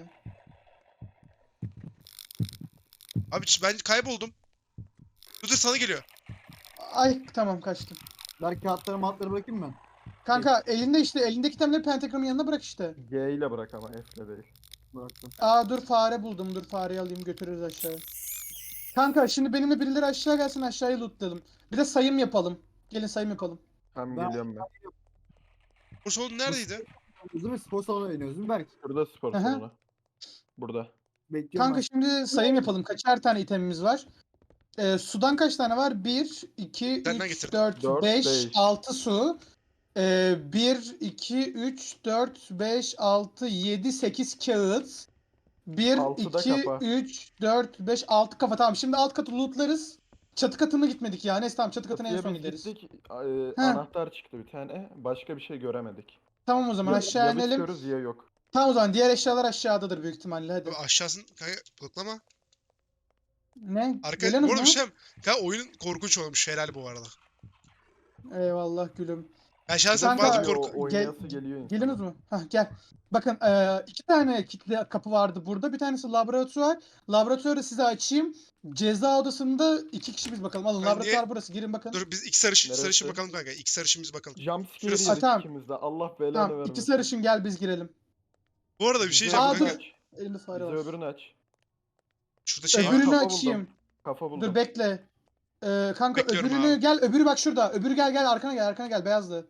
[SPEAKER 1] Abi ben kayboldum. Dur dur sana geliyor.
[SPEAKER 2] Ay tamam kaçtım.
[SPEAKER 4] Ver kağıtları matları bırakayım ben.
[SPEAKER 2] Kanka elinde işte elindeki itemleri pentagramın yanına bırak işte.
[SPEAKER 3] G ile bırak ama F'le değil.
[SPEAKER 4] Bıraktım.
[SPEAKER 2] Aa dur fare buldum. Dur fareyi alayım götürürüz aşağıya. Kanka şimdi benimle birileri aşağı gelsin aşağıya lootlayalım. Bir de sayım yapalım. Gelin sayım yapalım.
[SPEAKER 3] Tam
[SPEAKER 4] Ben-
[SPEAKER 3] geliyorum ben.
[SPEAKER 1] Bu solun neredeydi?
[SPEAKER 4] Değil mi? Spor salonuna iniyoruz değil mi Berk?
[SPEAKER 3] Burada spor
[SPEAKER 2] Aha.
[SPEAKER 3] salonu. Burada.
[SPEAKER 4] Bekliyorum
[SPEAKER 2] Kanka şimdi sayım yapalım. Kaçar tane itemimiz var? Ee, sudan kaç tane var? bir, iki,
[SPEAKER 1] Senden
[SPEAKER 2] üç,
[SPEAKER 1] getirdim.
[SPEAKER 2] dört,
[SPEAKER 3] Dört,
[SPEAKER 2] beş,
[SPEAKER 3] beş.
[SPEAKER 2] altı su. Ee, bir, iki, üç, dört, beş, altı, yedi, sekiz kağıt. bir,
[SPEAKER 3] Altı da
[SPEAKER 2] iki,
[SPEAKER 3] kafa.
[SPEAKER 2] üç, dört, beş, altı kafa. Tamam şimdi alt katı lootlarız. Çatı katına gitmedik ya. Neyse tamam çatı katına en
[SPEAKER 3] Çatıya
[SPEAKER 2] son
[SPEAKER 3] biz
[SPEAKER 2] gideriz.
[SPEAKER 3] gittik. e,
[SPEAKER 2] Ha.
[SPEAKER 3] Anahtar çıktı bir tane. Başka bir şey göremedik.
[SPEAKER 2] Tamam o zaman
[SPEAKER 3] Ya,
[SPEAKER 2] aşağı
[SPEAKER 3] ya
[SPEAKER 2] inelim.
[SPEAKER 3] bitiyoruz ya yok.
[SPEAKER 2] Tamam o zaman diğer eşyalar aşağıdadır büyük ihtimalle hadi.
[SPEAKER 1] Abi aşağısın kanka bloklama.
[SPEAKER 2] Ne?
[SPEAKER 1] Arka
[SPEAKER 2] Geliyorsunuz
[SPEAKER 1] bu arada
[SPEAKER 2] mu?
[SPEAKER 1] bir şey kanka oyun korkunç olmuş helal bu arada.
[SPEAKER 2] Eyvallah gülüm.
[SPEAKER 1] Ben şahsen
[SPEAKER 2] Kanka-
[SPEAKER 1] bazı
[SPEAKER 3] Geliyor,
[SPEAKER 1] korku...
[SPEAKER 3] oynayası
[SPEAKER 2] Gel-
[SPEAKER 3] geliyor insan.
[SPEAKER 2] Geliyorsunuz mu? Hah gel. Bakın eee, iki tane kilitli kapı vardı burada. Bir tanesi laboratuvar. Laboratuvarı size açayım. Ceza odasında iki kişi biz bakalım. Alın
[SPEAKER 1] Ben
[SPEAKER 2] laboratuvar
[SPEAKER 1] niye-
[SPEAKER 2] burası. Girin bakın.
[SPEAKER 1] Dur biz iki sarışın,
[SPEAKER 3] Neresi?
[SPEAKER 1] sarışın bakalım kanka. İki sarışın bakalım.
[SPEAKER 3] Jumpscare
[SPEAKER 1] Şurası-
[SPEAKER 3] yedik
[SPEAKER 2] Tamam.
[SPEAKER 3] ikimiz de. Allah belanı
[SPEAKER 2] Tamam
[SPEAKER 3] vermesin.
[SPEAKER 2] iki sarışın gel biz girelim.
[SPEAKER 1] Bu arada bir şey
[SPEAKER 3] Bize
[SPEAKER 1] diyeceğim
[SPEAKER 2] Aa,
[SPEAKER 3] öbürünü
[SPEAKER 1] kanka.
[SPEAKER 3] aç.
[SPEAKER 2] Elimde fare
[SPEAKER 3] Bize
[SPEAKER 2] var.
[SPEAKER 3] öbürünü aç.
[SPEAKER 1] Şurada şey var.
[SPEAKER 2] Öbürünü
[SPEAKER 3] Kafa buldum.
[SPEAKER 2] açayım.
[SPEAKER 3] Kafa buldum.
[SPEAKER 2] Dur bekle. Eee, kanka
[SPEAKER 1] Bekliyorum
[SPEAKER 2] öbürünü
[SPEAKER 1] abi.
[SPEAKER 2] gel. Öbürü bak şurada. Öbürü gel gel arkana gel arkana gel beyazlı.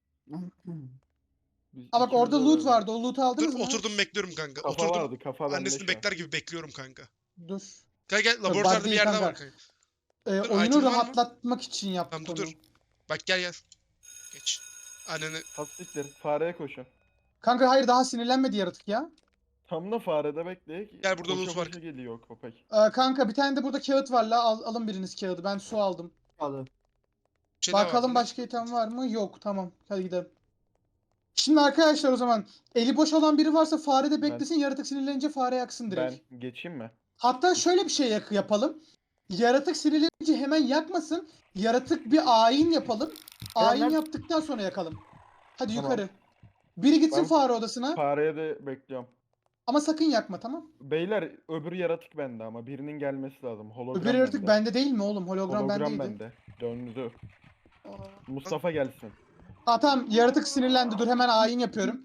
[SPEAKER 3] Biz
[SPEAKER 2] Aa bak
[SPEAKER 3] ikimiz
[SPEAKER 2] orada
[SPEAKER 3] de
[SPEAKER 2] loot
[SPEAKER 3] öyle.
[SPEAKER 2] vardı. O loot'u aldınız
[SPEAKER 1] Dur
[SPEAKER 2] mı?
[SPEAKER 1] oturdum bekliyorum kanka.
[SPEAKER 3] Kafa
[SPEAKER 1] oturdum.
[SPEAKER 3] vardı kafa bende
[SPEAKER 1] Annesini
[SPEAKER 3] şu an.
[SPEAKER 1] bekler gibi bekliyorum kanka.
[SPEAKER 2] Dur.
[SPEAKER 1] Gel gel
[SPEAKER 2] bug
[SPEAKER 1] laboratuvarda bir
[SPEAKER 2] değil
[SPEAKER 1] yerde
[SPEAKER 2] kanka.
[SPEAKER 1] var kanka.
[SPEAKER 2] Eee,
[SPEAKER 1] Dur,
[SPEAKER 2] oyunu
[SPEAKER 1] item var mı?
[SPEAKER 2] rahatlatmak için yaptık
[SPEAKER 1] Tamam dur
[SPEAKER 2] onu.
[SPEAKER 1] dur. Bak gel gel. Geç. Anneni.
[SPEAKER 3] Hastiktir. Fareye koşun.
[SPEAKER 2] Kanka hayır daha sinirlenmedi yaratık ya.
[SPEAKER 3] Tam da farede bekleyek.
[SPEAKER 1] Gel, burada
[SPEAKER 3] Koşa
[SPEAKER 1] loot var.
[SPEAKER 3] koşa geliyor köpek.
[SPEAKER 2] Ee, kanka bir tane de burada kağıt var la. Al, alın biriniz kağıdı. Ben su aldım.
[SPEAKER 4] Hadi.
[SPEAKER 1] Bir şey daha
[SPEAKER 2] Bakalım
[SPEAKER 1] vardı.
[SPEAKER 2] başka item var mı? Yok. Tamam. Hadi gidelim. Şimdi arkadaşlar o zaman eli boş olan biri varsa fare de
[SPEAKER 3] Ben-
[SPEAKER 2] beklesin. Yaratık sinirlenince fare yaksın direkt.
[SPEAKER 3] Ben geçeyim mi?
[SPEAKER 2] Hatta şöyle bir şey yak- yapalım. Yaratık sinirlenince hemen yakmasın. Yaratık bir ayin yapalım. Ayin
[SPEAKER 3] ben-
[SPEAKER 2] yaptıktan sonra yakalım. Hadi
[SPEAKER 3] Tamam.
[SPEAKER 2] yukarı. Biri gitsin
[SPEAKER 3] Ben-
[SPEAKER 2] fare odasına.
[SPEAKER 3] Fareye de bekliyorum.
[SPEAKER 2] Ama sakın yakma, tamam?
[SPEAKER 3] Beyler öbür yaratık bende ama birinin gelmesi lazım. Hologram
[SPEAKER 2] Öbür yaratık
[SPEAKER 3] bende.
[SPEAKER 2] bende değil mi oğlum? Hologram,
[SPEAKER 3] Hologram
[SPEAKER 2] bendeydi.
[SPEAKER 3] bende. Döndü.
[SPEAKER 2] Aa.
[SPEAKER 3] Mustafa gelsin.
[SPEAKER 2] Aa, tamam, yaratık sinirlendi. Dur hemen ayin yapıyorum.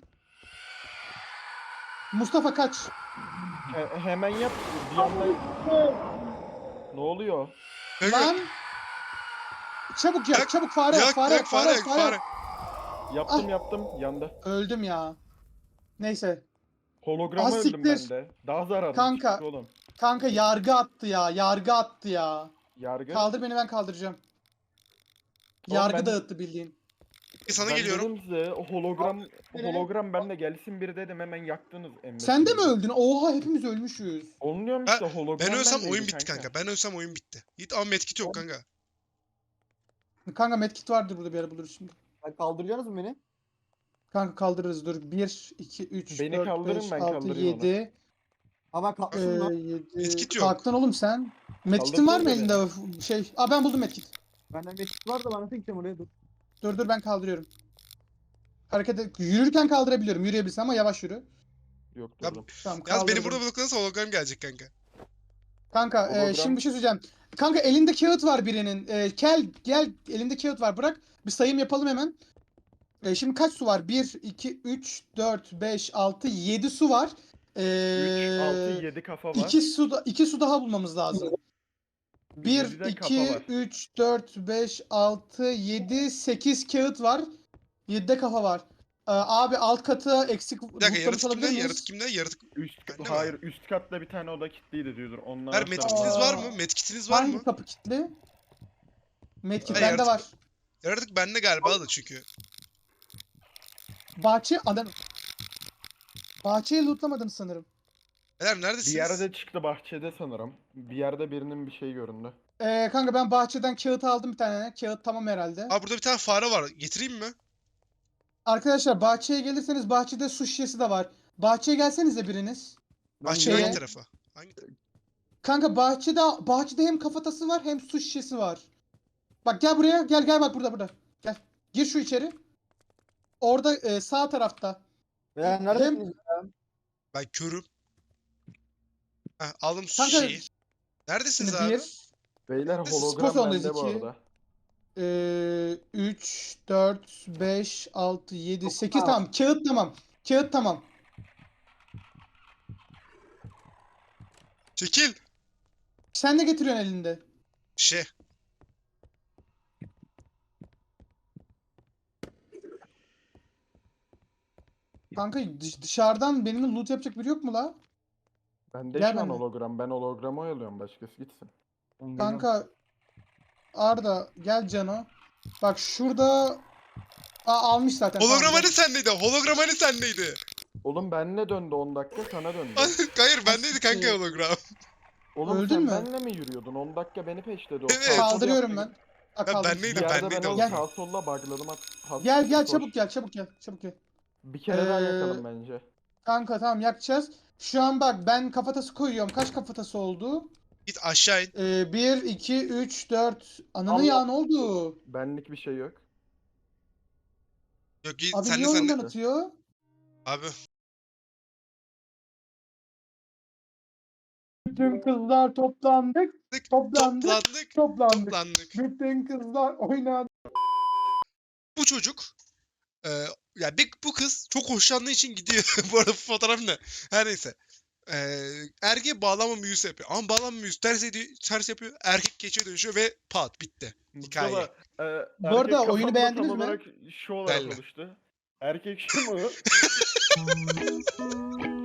[SPEAKER 2] Mustafa kaç.
[SPEAKER 3] He- hemen yap. Bir anda... Ne oluyor?
[SPEAKER 1] Kanka,
[SPEAKER 2] Lan. Çabuk yak,
[SPEAKER 1] Yak,
[SPEAKER 2] çabuk fare yak,
[SPEAKER 1] yak,
[SPEAKER 2] fare
[SPEAKER 1] yak,
[SPEAKER 2] yak,
[SPEAKER 1] fare yak, fare.
[SPEAKER 3] Yaptım
[SPEAKER 2] Ah.
[SPEAKER 3] yaptım. Yandı.
[SPEAKER 2] Öldüm ya. Neyse.
[SPEAKER 3] Holograma
[SPEAKER 2] Ah,
[SPEAKER 3] öldüm
[SPEAKER 2] siktir.
[SPEAKER 3] ben de. Daha zararlı
[SPEAKER 2] Kanka.
[SPEAKER 3] çıktı oğlum.
[SPEAKER 2] Kanka yargı attı ya. Yargı attı ya.
[SPEAKER 3] Yargı.
[SPEAKER 2] Kaldır beni, ben kaldıracağım.
[SPEAKER 3] Oğlum
[SPEAKER 2] Yargı
[SPEAKER 3] ben-
[SPEAKER 2] dağıttı bildiğin.
[SPEAKER 1] Sana
[SPEAKER 3] ben
[SPEAKER 1] geliyorum.
[SPEAKER 3] dedim size o hologram
[SPEAKER 2] Beni-
[SPEAKER 3] hologram benle gelsin biri dedim hemen yaktınız emmeti.
[SPEAKER 2] Sen de mi öldün? Oha, hepimiz ölmüşüz.
[SPEAKER 3] Onu diyorum
[SPEAKER 1] Ha,
[SPEAKER 3] işte hologram
[SPEAKER 1] Ben ölsem
[SPEAKER 3] bendeydi
[SPEAKER 1] oyun bitti kanka. Ben ölsem oyun bitti. Git ama medkit yok kanka.
[SPEAKER 2] Kanka medkit vardır burada, bir ara buluruz şimdi.
[SPEAKER 4] Sen kaldıracaksınız mı beni?
[SPEAKER 2] Kanka kaldırırız, dur. bir, iki, üç,
[SPEAKER 3] Beni
[SPEAKER 2] dört,
[SPEAKER 3] kaldırın,
[SPEAKER 2] beş,
[SPEAKER 3] ben
[SPEAKER 2] altı,
[SPEAKER 3] kaldırayım onu.
[SPEAKER 2] yedi.
[SPEAKER 4] Ha ben kalkmışım lan.
[SPEAKER 2] yedi.
[SPEAKER 1] Medkit yok.
[SPEAKER 2] Kalktın oğlum sen. Medkitin var mı
[SPEAKER 3] Kaldırsana
[SPEAKER 2] elinde? Şey. Aa, ben buldum medkit.
[SPEAKER 4] Benden meşgul var da ben nasıl gideceğim oraya dur.
[SPEAKER 2] Dur dur, ben kaldırıyorum. Hareket et- yürürken kaldırabiliyorum. Yürüyebilirsin ama yavaş yürü.
[SPEAKER 3] Yok
[SPEAKER 1] Ya-
[SPEAKER 3] durdum.
[SPEAKER 2] Tamam,
[SPEAKER 1] Yalnız
[SPEAKER 2] kaldırdım.
[SPEAKER 1] beni burada bloklanırsa hologram gelecek kanka.
[SPEAKER 2] Kanka e,
[SPEAKER 3] Hologram.
[SPEAKER 2] şimdi bir şey söyleyeceğim. Kanka elinde kağıt var birinin. E, gel gel, elinde kağıt var, bırak. Bir sayım yapalım hemen. E, şimdi kaç su var? bir, iki, üç, dört, beş, altı, yedi su var. E,
[SPEAKER 3] üç, altı, yedi kafa var.
[SPEAKER 2] iki su, da- iki su daha bulmamız lazım. bir,
[SPEAKER 3] yedide kafa
[SPEAKER 2] iki,
[SPEAKER 3] var.
[SPEAKER 2] üç, dört, beş, altı, yedi, sekiz kağıt var. yedide kafa var. E, abi alt katı eksik
[SPEAKER 1] Bir dakika,
[SPEAKER 2] lootlamış
[SPEAKER 1] yaratık
[SPEAKER 2] olabilir
[SPEAKER 1] kimde?
[SPEAKER 2] miyiz?
[SPEAKER 1] Yaratık kimde? Yaratık.
[SPEAKER 3] Üst
[SPEAKER 1] Bende mi?
[SPEAKER 3] hayır üst katta bir tane oda kilitliydi diyordur. Onlar
[SPEAKER 1] Her medkitiniz var mı?
[SPEAKER 2] Aa.
[SPEAKER 1] Medkitiniz var
[SPEAKER 2] Hangi
[SPEAKER 1] mı?
[SPEAKER 2] kapı kilitli? Medkit
[SPEAKER 1] Ha,
[SPEAKER 2] bende
[SPEAKER 1] yaratık-
[SPEAKER 2] var.
[SPEAKER 1] Yaratık bende galiba da çünkü.
[SPEAKER 2] Bahçe adam. Bahçeyi lootlamadım sanırım.
[SPEAKER 1] Beyler
[SPEAKER 3] Bir
[SPEAKER 1] neredesiniz?
[SPEAKER 3] yerde çıktı bahçede sanırım. Bir yerde birinin bir şey göründü.
[SPEAKER 2] Ee, kanka ben bahçeden kağıt aldım bir tane. Kağıt tamam herhalde.
[SPEAKER 1] Aa, burada bir tane fare var. Getireyim mi?
[SPEAKER 2] Arkadaşlar bahçeye gelirseniz bahçede su şişesi de var. Bahçeye gelsenize biriniz.
[SPEAKER 1] Bahçenin
[SPEAKER 2] şeye-
[SPEAKER 1] hangi tarafa? Hangi
[SPEAKER 2] Kanka bahçede bahçede hem kafatası var hem su şişesi var. Bak gel buraya, gel gel, bak burada burada. Gel. Gir şu içeri. Orada e, sağ tarafta.
[SPEAKER 4] Ya neredesiniz?
[SPEAKER 1] Ben körüm. Heh, aldım su
[SPEAKER 2] Kanka
[SPEAKER 1] şişeyi. Neredesiniz
[SPEAKER 2] şimdi
[SPEAKER 1] abi?
[SPEAKER 2] bir,
[SPEAKER 3] Beyler
[SPEAKER 1] Spor
[SPEAKER 3] hologram
[SPEAKER 2] salonundayız,
[SPEAKER 3] bende bu
[SPEAKER 2] iki.
[SPEAKER 3] arada.
[SPEAKER 2] e, üç, dört, beş, altı, yedi, sekiz,
[SPEAKER 4] Aa.
[SPEAKER 2] tamam. Kağıt tamam. Kağıt tamam.
[SPEAKER 1] Çekil.
[SPEAKER 2] Sen ne getiriyorsun elinde?
[SPEAKER 1] Şey.
[SPEAKER 2] Kanka dış- dışarıdan benimle loot yapacak biri yok mu la?
[SPEAKER 3] Bende
[SPEAKER 2] Gel
[SPEAKER 3] şu an
[SPEAKER 2] benimle.
[SPEAKER 3] hologram. Ben hologramı oyalıyorum. Başkası gitsin.
[SPEAKER 2] Kanka Arda gel Cano. Bak şurada. Aa, almış zaten. tamam,
[SPEAKER 1] Hologram
[SPEAKER 2] gel.
[SPEAKER 1] hani sendeydi? Hologram hani sendeydi?
[SPEAKER 3] Oğlum benle döndü on dakika sana döndü.
[SPEAKER 1] Hayır bendeydi kanka
[SPEAKER 2] siktir.
[SPEAKER 1] hologram.
[SPEAKER 3] Oğlum
[SPEAKER 2] Öldün
[SPEAKER 3] sen
[SPEAKER 2] mü?
[SPEAKER 3] benle mi yürüyordun? on dakika beni peşledi. O
[SPEAKER 1] Evet.
[SPEAKER 3] sağ sol
[SPEAKER 2] Kaldırıyorum ben.
[SPEAKER 3] yaptı.
[SPEAKER 2] Aa,
[SPEAKER 1] Ha,
[SPEAKER 2] kaldır.
[SPEAKER 1] bendeydi
[SPEAKER 3] Bir yerde ben
[SPEAKER 1] bendeydi
[SPEAKER 3] onu
[SPEAKER 2] Gel.
[SPEAKER 1] hologram.
[SPEAKER 3] sağ solla bugladım. At, at-
[SPEAKER 2] Gel gel,
[SPEAKER 3] koş.
[SPEAKER 2] çabuk gel çabuk gel çabuk gel.
[SPEAKER 3] Bir kere daha
[SPEAKER 2] Ee,
[SPEAKER 3] yakalım bence.
[SPEAKER 2] Kanka tamam, yakacağız. Şu an bak ben kafatası koyuyorum. Kaç kafatası oldu?
[SPEAKER 1] Git aşağı in.
[SPEAKER 2] Ee, bir, iki, üç, dört. Ananı
[SPEAKER 3] Allah-
[SPEAKER 2] ya, ne oldu?
[SPEAKER 3] Benlik bir şey yok.
[SPEAKER 1] Yok git
[SPEAKER 2] Abi
[SPEAKER 1] senle
[SPEAKER 2] niye oyundan
[SPEAKER 1] senle.
[SPEAKER 2] atıyor?
[SPEAKER 1] Abi.
[SPEAKER 2] Bütün kızlar toplandık.
[SPEAKER 1] Tık,
[SPEAKER 2] Toplandık.
[SPEAKER 1] Toplandık.
[SPEAKER 2] Toplandık.
[SPEAKER 1] Toplandık.
[SPEAKER 2] Bütün kızlar oynadı.
[SPEAKER 1] Bu çocuk e, ya bir, bu kız çok hoşlandığı için gidiyor. Bu arada bu fotoğraf ne? Her neyse. E, erkeğe bağlanma büyüsü yapıyor. Ama bağlanma büyüsü ters, ediyor, ters yapıyor. Erkek geçiye dönüşüyor ve pat bitti. Hikaye.
[SPEAKER 3] Mustafa, e,
[SPEAKER 2] Bu
[SPEAKER 3] erkek
[SPEAKER 2] arada oyunu
[SPEAKER 3] kafamda
[SPEAKER 2] beğendiniz
[SPEAKER 3] tam
[SPEAKER 2] mi?
[SPEAKER 3] olarak şu olarak
[SPEAKER 1] Belli.
[SPEAKER 3] oluştu. Erkek şu mu?